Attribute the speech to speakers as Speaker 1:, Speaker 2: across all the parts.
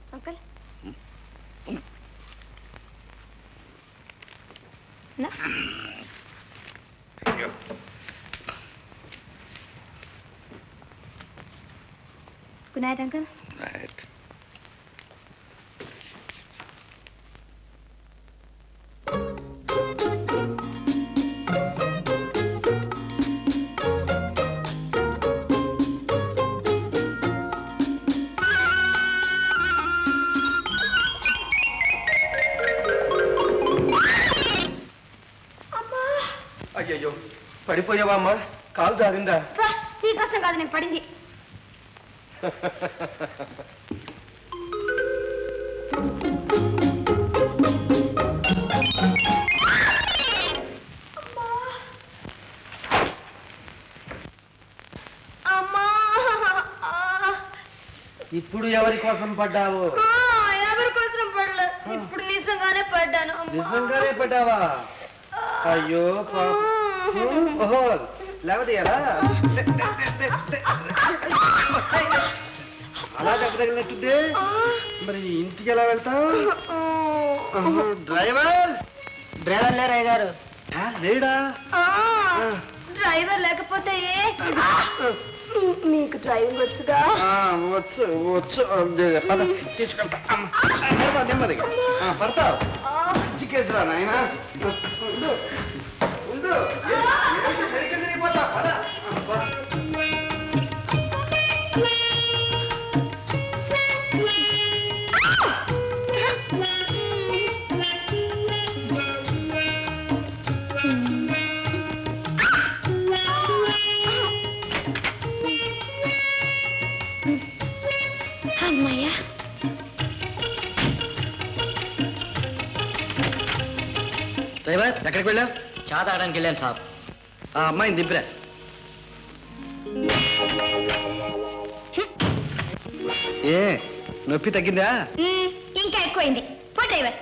Speaker 1: Uncle good night uncle.
Speaker 2: Night.
Speaker 3: అయ్యో పడిపోయావా అమ్మా? కాలు జారిందా?
Speaker 1: నీకోసం కాదు నేను పడింది.
Speaker 3: ఇప్పుడు ఎవరి కోసం పడ్డావు?
Speaker 1: ఎవరి కోసం పడలేదు, ఇప్పుడు నిజంగానే పడ్డాను.
Speaker 3: నిజంగానే పడ్డావా? అయ్యో ఓహో లేవదీయాలా? అలా దెబ్బ తగిలినట్టుందే. మరి ఇంటికి ఎలా వెళ్తావు? డ్రైవర్
Speaker 4: లేరయ్య గారు.
Speaker 3: లేడా?
Speaker 1: డ్రైవర్ లేకపోతే మీకు డ్రైవింగ్ వచ్చుగా?
Speaker 3: వచ్చు వచ్చు తీసుకెళ్తా. నెమ్మదిగా పడతావు. మంచి కేసురా నాయన.
Speaker 1: అమ్మయ్యా.
Speaker 3: డ్రైవర్ ఎక్కడికి వెళ్ళావు?
Speaker 4: చా తాగడానికి వెళ్ళాను సాబ్.
Speaker 3: ఆ అమ్మాయిని దింపిరా. ఏ నొప్పి తగ్గిందా?
Speaker 1: ఇంకా ఎక్కువైంది. పో డ్రైవర్.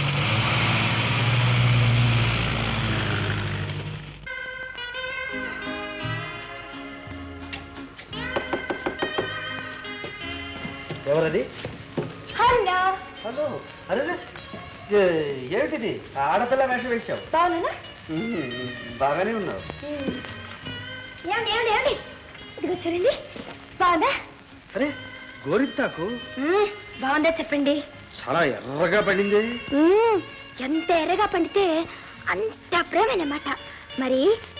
Speaker 3: ఎవరది?
Speaker 1: Hello
Speaker 3: hello. అరే ఏమిటిది? ఆడపిల్ల వేషం వేసావు.
Speaker 1: బాగున్నా?
Speaker 3: బాగానే ఉన్నావు.
Speaker 1: ఏమండి ఏమండి ఏమండి ఇదిగో చూడండి. బాగుందా?
Speaker 3: అరే గోరింతాకు
Speaker 1: బాగుందా చెప్పండి.
Speaker 3: చాలా ఎర్రగా పడింది.
Speaker 1: ఎంత ఎర్రగా పండితే అంత ప్రేమనమాట. మరి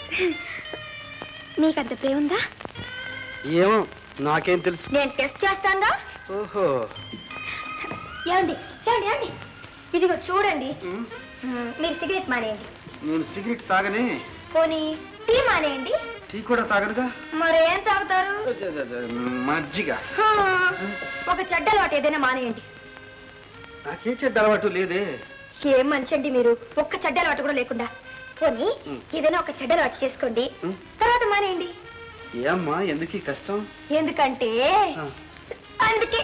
Speaker 1: మీకంత ప్రేమ ఉందా?
Speaker 3: ఏమో నాకేం తెలుసు.
Speaker 1: నేను టెస్ట్ చేస్తాను.
Speaker 3: ఓహో.
Speaker 1: ఏమండి ఏమండి ఏమండి ఇదిగో చూడండి. మీరు సిగరెట్ మానేయండి.
Speaker 3: నేను సిగరెట్ తాగని.
Speaker 1: పోనీ టీ మానేయండి.
Speaker 3: టీ కూడా తాగనుగా.
Speaker 1: మరి ఏం తాగుతారు?
Speaker 3: మజ్జిగ.
Speaker 1: ఒక చెడ్డ అలవాటు ఏదైనా మానేయండి.
Speaker 3: నాకే చెడ్డ అలవాటు లేదే.
Speaker 1: ఏం మనిషి అండి మీరు, ఒక్క చెడ్డ అలవాటు కూడా లేకుండా. పోనీ ఏదైనా ఒక చెడ్డ అలవాటు చేసుకోండి, తర్వాత మానేయండి.
Speaker 3: ఏమ్మా ఎందుకు కష్టం?
Speaker 1: ఎందుకంటే అందుకే.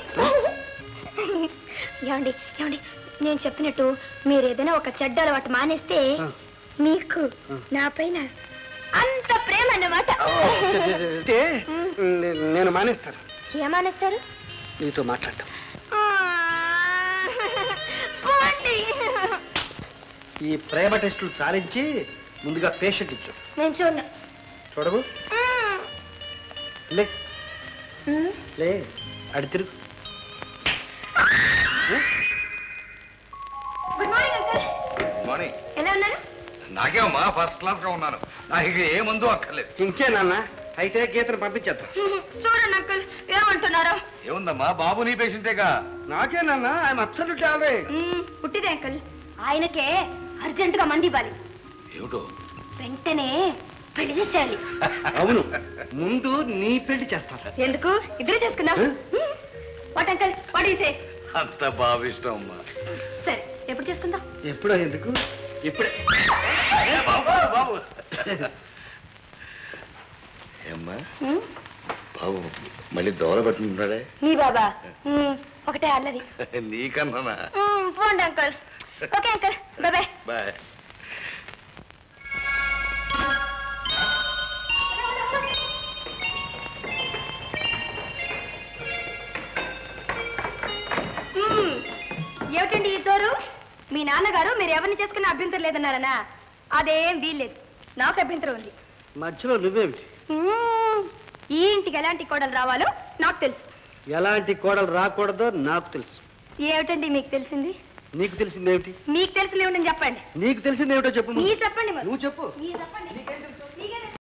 Speaker 1: ఏమండి ఏమండి నేను చెప్పినట్టు మీరు ఏదైనా ఒక చెడ్డ అలవాటు మానేస్తే మీకు నా పైన అంత ప్రేమ అన్నమాట.
Speaker 3: నేను మానేస్తాను.
Speaker 1: ఏం మానేస్తారు?
Speaker 3: నీతో మాట్లాడటం. ఈ ప్రేమ టెస్టులు సారించి ముందుగా పేషెంట్ ఇచ్చు.
Speaker 1: నేను చూడను.
Speaker 3: చూడవు? లే లే అడి తిరుగు.
Speaker 1: Good morning uncle.
Speaker 2: Good morning.
Speaker 1: ఎలా ఉన్నారు?
Speaker 2: నాకేమమ్మా ఫస్ట్ క్లాస్ గా ఉన్నాను. నాకు ఇక ఏ మందు అక్కర్లేదు.
Speaker 3: ఇంకే నాన్న, అయితే గీతను పంపించేద్దాం.
Speaker 1: చూడండి అంకుల్ ఏమంటున్నారు?
Speaker 2: ఏముందమ్మా బాబు నీ పేషెంటేగా.
Speaker 3: నాకే నాన్న, ఐఎమ్ అబ్సల్యూట్లీ ఆల్రైట్.
Speaker 1: పుట్టిదే అంకుల్, ఆయనకే అర్జెంట్ గా మంది ఇవ్వాలి.
Speaker 2: ఏమిటో?
Speaker 1: వెంటనే పెళ్లి చేసేయాలి.
Speaker 3: అవును, ముందు నీ పెళ్లి చేస్తాను.
Speaker 1: ఎందుకు? ఇద్దరే చేసుకుందాం. What uncle, what is a?
Speaker 2: అంత బావిష్టం అమ్మా.
Speaker 1: సరే ఎప్పుడు చేసుకుందాం?
Speaker 3: ఎప్పుడో ఎందుకు, ఇప్పుడే.
Speaker 2: బాబు బాబు ఏమ్మా బాబు మళ్ళీ దోల పట్టుకుంటున్నాడే?
Speaker 1: నీ బాబా ఒకటే అల్లది.
Speaker 2: నీకన్నా.
Speaker 1: పోండి uncle. Okay uncle, bye bye.
Speaker 2: Bye.
Speaker 1: ఏమిటండి ఈ జోరు? మీ నాన్నగారు మీరు ఎవరిని చేసుకున్న అభ్యంతరం లేదన్నారనా? అదేం వీల్లేదు, నాకు అభ్యంతరం ఉంది.
Speaker 3: మధ్యలో నువ్వేమిటి?
Speaker 1: ఈ ఇంటికి ఎలాంటి కోడలు రావాలో నాకు తెలుసు.
Speaker 3: ఎలాంటి కోడలు రాకూడదో నాకు తెలుసు.
Speaker 1: ఏమిటండి మీకు తెలిసింది?
Speaker 3: నీకు తెలిసిందేమిటి?
Speaker 1: మీకు తెలిసింది ఏమిటని చెప్పండి.
Speaker 3: నీకు తెలిసిందేమిటో చెప్పు.
Speaker 1: మీరు చెప్పండి మరి.
Speaker 3: నువ్వు చెప్పు.
Speaker 1: మీరు చెప్పండి.